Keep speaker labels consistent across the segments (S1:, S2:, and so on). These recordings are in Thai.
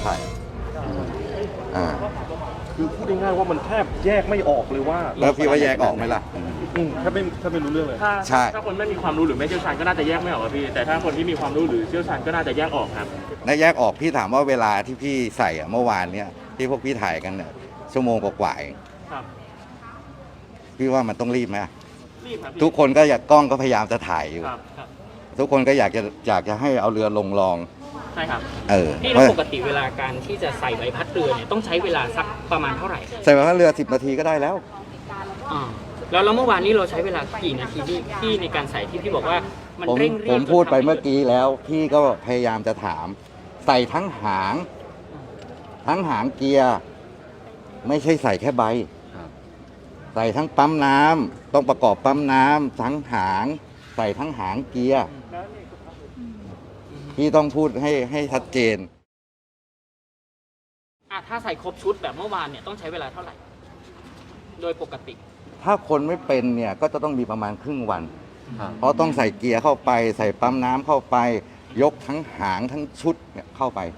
S1: ถ่าย
S2: คือพูดง่ายๆว่ามันแทบแยกไม่ออกเลยว่า
S1: แล้วพี่ว่าแยกออกไหมล่ะ
S2: แทบไม่รู้เรื่องเลย
S3: ถ้าคนไม่มีความรู้หรือไม่เชี่ยวชาญก็น่าจะแยกไม่ออกครับพี่แต่ถ้าคนที่มีความรู้หรือเชี่ยวชาญก็น่าจะแยกออกครับ
S1: ในแยกออกพี่ถามว่าเวลาที่พี่ใส่เมื่อวานเนี่ยที่พวกพี่ถ่ายกันเนี่ยชั่วโมงกว่าๆพี่ว่ามันต้องรีบไหม
S3: รีบครับ
S1: ทุกคนก็อยากกล้องก็พยายามจะถ่ายอยู่
S3: ครับ
S1: ทุกคนก็อยากจะให้เอาเรือลงรอง
S3: ใช่ครับ
S4: พี่แล้วปกติเวลาการที่จะใส่ใบพัดเรือเนี่ยต้องใช้เวลาสักประมาณเท่าไหร่
S1: ใส่ใบพัดเรือ10 นาทีก็ได้แล้ว
S4: แล้วเมื่อวานนี้เราใช้เวลากี่นาทีที่ในการใส่ที่พี่บอกว่ามันเร่งรีบ
S1: ผมพูดไปเมื่อกี้แล้วพี่ก็พยายามจะถามใส่ทั้งหางเกียร์ไม่ใช่ใส่แค่ใบใส่ทั้งปั๊มน้ำต้องประกอบปั๊มน้ำทั้งหางใส่ทั้งหางเกียร์พี่ต้องพูดให้ชัดเจน
S4: ถ้าใส่ครบชุดแบบเมื่อวานเนี่ยต้องใช้เวลาเท่าไหร่โดยปกติ
S1: ถ้าคนไม่เป็นเนี่ยก็จะต้องมีประมาณครึ่งวันเพราะต้องใส่เกียร์เข้าไปใส่ปั๊มน้ำเข้าไปยกทั้งหางทั้งชุดเนี่ยเข้าไป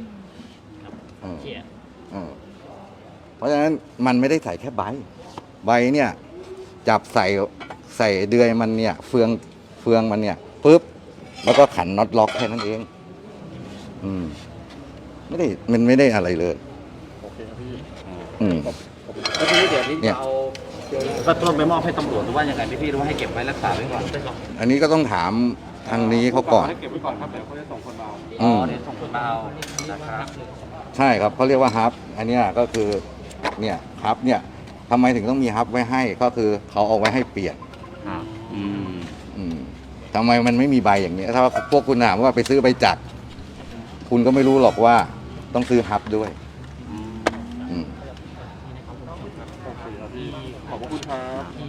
S1: เพราะฉะนั้นมันไม่ได้ใส่แค่ใบเนี่ยจับใส่เดือยมันเนี่ยเฟืองมันเนี่ยปุ๊บแล้วก็ขันน็อตล็อกแค่นั้นเองมันไม่ได้อะไรเลย
S2: โอเคครับพี่
S5: แล้วทีนี้เดี๋ยวนี้เอาก็ต้องไปมอบให้ตำรวจหรือว่ายังไงพี่หรือว่าให้เก็บไว้รักษาไว้ก่อน
S1: อันนี้ก็ต้องถามทางนี้เขาก่อน
S2: ให้เก็บไว้ก่อนครับเดี๋ยวเขาจะส่งคนมา
S5: เอาเดี๋ยวส่งคนมาเอานะครับ
S1: ใช่ครับเขาเรียกว่าฮับอันนี้ก็คือเนี่ยฮับเนี่ยทำไมถึงต้องมีฮับไว้ให้ก็คือเขาเอาไว้ให้เปลี่ยนทำไมมันไม่มีใบอย่างนี้ถ้าพวกคุณถามว่าไปซื้อใบจักรคุณก็ไม่รู้หรอกว่าต้องซื้อฮับด้วย
S2: ขอบคุณครับ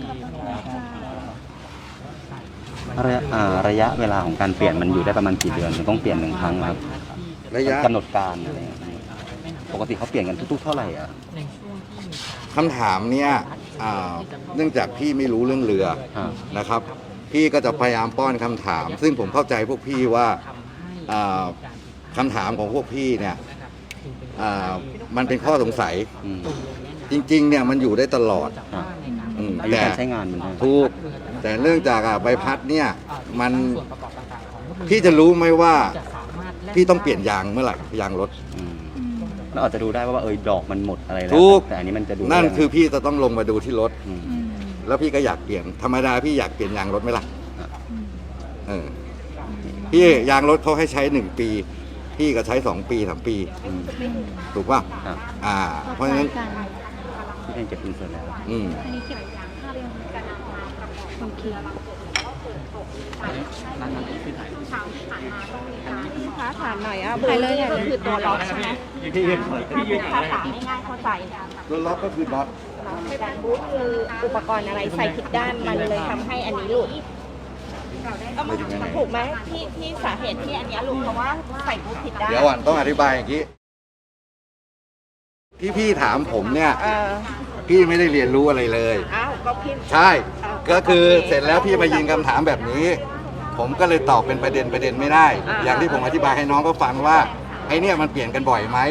S5: ระยะเวลาของการเปลี่ยนมันอยู่ได้ประมาณกี่เดือนต้องเปลี่ยน1 ครั้งครับ
S1: ระยะ
S5: กำหนดการอะไรปกติเขาเปลี่ยนกันทุกๆเท่าไหร่
S1: คำถามเนี่ยเนื่องจากพี่ไม่รู้เรื่องเรือนะครับพี่ก็จะพยายามป้อนคำถามซึ่งผมเข้าใจพวกพี่ว่าคำถามของพวกพี่เนี่ยมันเป็นข้อสงสัยจริงๆเนี่ยมันอยู่ได้ตลอด
S5: แต่ใช้งานมัน
S1: ถูกแต่เนื่องจากใบพัดเนี่ยมันพี่จะรู้ไหมว่าพี่ต้องเปลี่ยนยางเมื่อไหร่ยางรถ
S5: เราอาจจะดูได้ว่าดอกมันหมดอะไรแล้วแต่อันนี้มันจะดู
S1: นั่นคือพี่จะต้องลงมาดูที่รถแล้วพี่ก็อยากเปลี่ยนธรรมดาพี่อยากเปลี่ยนยางรถไหมล่ะพี่ยางรถเขาให้ใช้1 ปีพี่ก็ใช้2 ปี 3 ปีถูกป่ะเพราะฉะนั้น
S5: พี่เก็บเงินสดแล้ว
S6: อันนี้เก็บภาพยังกันโอเคค้าถามหน่อยบูธนี่ก็คือตัวล็อกใช่ไหมภาษาง่ายๆเข้าใจ
S1: ตัวล็อกก็คือน็อต
S6: บูธคืออุปกรณ์อะไรใส่ผิดด้านมันเลยทำให้อันนี้หลุดถูกไหมที่สาเหตุที่อันนี้หลุดเพราะว่าใส่บูธผิดด้าน
S1: เดี๋ยวก่อนต้องอธิบายอย่างนี้ที่พี่ถามผมเนี่ยพี่ไม่ได้เรียนรู้อะไรเลย
S6: ก็พี่
S1: ใช่ก็คือเสร็จแล้วพี่มายิงคำถามแบบนี้ผมก็เลยตอบเป็นประเด็นไม่ได้อย่างที่ผมอธิบายให้น้องก็ฟังว่าไอ้เนี่ยมันเปลี่ยนกันบ่อยไหม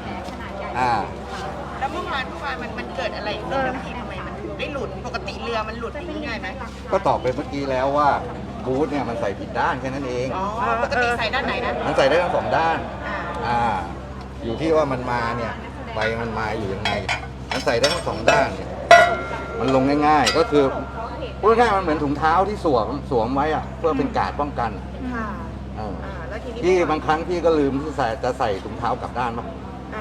S6: แล้วเมื่อวานมันเกิดอะไรที่ทำไมมันได้หลุดปกติเรือมันหลุดอย่างนี้ง่ายไหม
S1: ก็ตอบไปเมื่อกี้แล้วว่าบูธเนี่ยมันใส่ผิดด้านแค่นั้นเอง
S6: ปกติใส่ด้านไหนนะ
S1: มันใส่ได้ทั้ง2 ด้านอยู่ที่ว่ามันมาเนี่ยใบมันมาอยู่ยังไงมันใส่ได้ทั้ง2 ด้านเนี่ยมันลงง่ายๆก็คือพูดง่ายๆมันเหมือนถุงเท้าที่สวมไว้เพื่อเป็นการป้องกันที่บางครั้งพี่ก็ลืมที่จะใส่ถุงเท้ากลับด้านมั้ง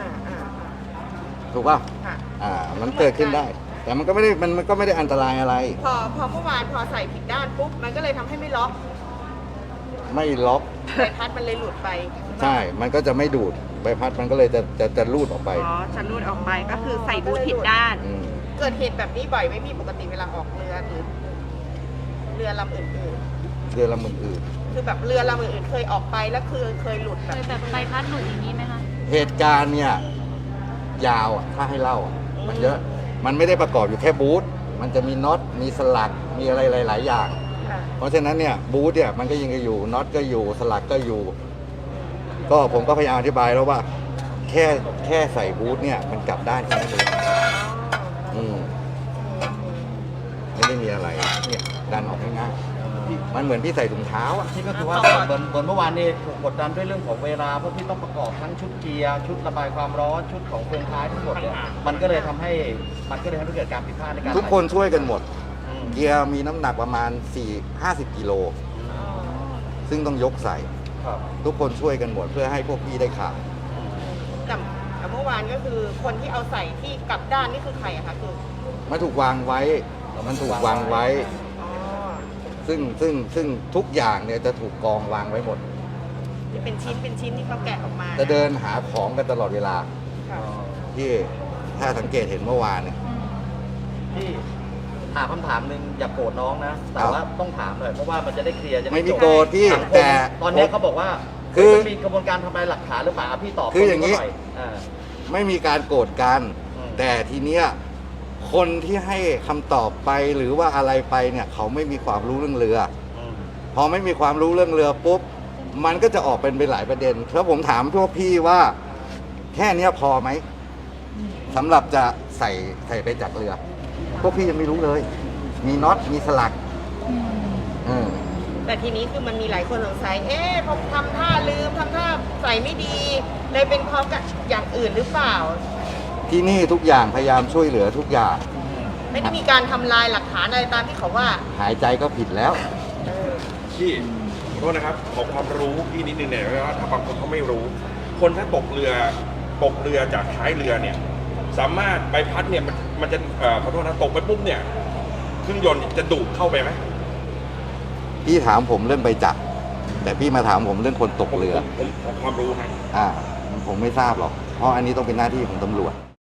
S1: ถูกป่ะมันเกิดขึ้นได้แต่มันก็ไม่ได้อันตรายอะไร
S6: พอเมื่อวานพอใส่ผิดด้านปุ๊บมันก็เลยทำให้ไม่ล็อก
S1: ใบ
S6: พัดมันเลยหลุดไป
S1: ใช่มันก็จะไม่ดูดใบพัดมันก็เลยจะลูดออกไป
S6: จะลูดออกไปก็คือใส่บูทผิดด้านเกิดเหตุแบบนี้บ่อยไม่มีปกติเวลาออกเรือหรือเรือลำอื่นคือแบบเรือลำอื่นเคยออกไปแล้วคือเคยหลุดแบบใบพัดหลุดอย่างนี้ไหมคะ
S1: เหตุการณ์เนี่ยยาวถ้าให้เล่ามันเยอะมันไม่ได้ประกอบอยู่แค่บูทมันจะมีน็อตมีสลักมีอะไรหลายๆอย่างเพราะฉะนั้นเนี่ยบูทเนี่ยมันก็ยังอยู่น็อตก็อยู่สลักก็อยู่ก็ผมก็พยายามอธิบายแล้วว่าแค่แค่ใส่บูทเนี่ยมันกลับด้านแค่นั้นเองไม่ได้มีอะไรเนี่ยดันออกง่ายๆมันเหมือนพี่ใส่ถุงเท้าอ่ะ
S5: ที่ก็คือว่าเหมือนเมื่อวานนี้ถูกกดดันด้วยเรื่องของเวลาเพราะพี่ต้องประกอบทั้งชุดเกียร์ชุดระบายความร้อนชุดของเฟืองท้ายทั้งหมดเนี่ยมันก็เลยทำให้เกิดการผิดพลาดในการ
S1: ทุกคนช่วยกันหมด
S5: อืม
S1: เกียร์มีน้ำหนักประมาณ50 กิโลซึ่งต้องยกใส่
S5: ครับ
S1: ทุกคนช่วยกันหมดเพื่อให้พวกพี่ได้ข่าว
S6: แต่เมื่อวานก็คือคนที่เอาใส่ที่กลับด้านนี่คือใครอะคะคือ
S1: มันถูกวางไว้
S6: อ๋อ
S1: ซึ่งทุกอย่างเนี่ยจะถูกกองวางไว้หมด
S6: ที่เป็นชิ้นที่เขาแกะออกมา
S1: จะเดินหาของกันตลอดเวลา
S6: ค่ะ
S1: ที่ถ้าสังเกตเห็นเมื่อวานเนี่ย
S5: พี่ถามคำถามหนึ่งอย่าโกรธน้องนะ แต่ว่าต้องถามหน่อยเพราะว่ามันจะได้เคลียร์จะด้
S1: ไม่มี
S5: จบ
S1: โกรธพี่
S5: สังคม
S1: แต่
S5: ตอนนี้เขาบอกว่า
S1: คือ
S5: มันมีกระบวนการทำลายหลักฐานหรือเปล่าพี่ตอบ
S1: คืออย่างนี้
S5: นี้
S1: ไม่มีการโกรธกัน
S5: อืม
S1: แต่ทีเนี้ยคนที่ให้คำตอบไปหรือว่าอะไรไปเนี่ยเขาไม่มีความรู้เรื่องเรือ พอไม่มีความรู้เรื่องเรือปุ๊บมันก็จะออกเป็นไปหลายประเด็นแล้วผมถามพวกพี่ว่าแค่เนี้ยพอไหมสำหรับจะใส่ไปจากเรือ พวกพี่ยังไม่รู้เลย มีน็อตมีสลัก
S6: แต่ทีนี้คือมันมีหลายคนสงสัยพอทำท่าลืมทำท่าใส่ไม่ดีเลยเป็นเพราะกับอย่างอื่นหรือเปล่า
S1: ที่นี่ทุกอย่างพยายามช่วยเหลือทุกอย่าง
S6: ไม่ได้มีการทำลายหลักฐานอะไรตามที่เขาว่า
S1: หายใจก็ผิดแล้ว
S7: พี่ขอโทษนะครับขอความรู้พี่นิดนึงเนี่ยว่าถ้าบางคนเขาไม่รู้ คนถ้าตกเรือจากท้ายเรือเนี่ย สามารถใบพัดเนี่ยมันจะขอโทษนะตกไปปุ๊บเนี่ยเครื่องยนต์จะดูดเข้าไปไหม
S1: พี่ถามผมเรื่องใบจักรแต่พี่มาถามผมเรื่องคนตกเรือ
S7: ผมขอความรู้ครับ
S1: ผมไม่ทราบหรอกเพราะอันนี้ต้องเป็นหน้าที่ของตำรวจ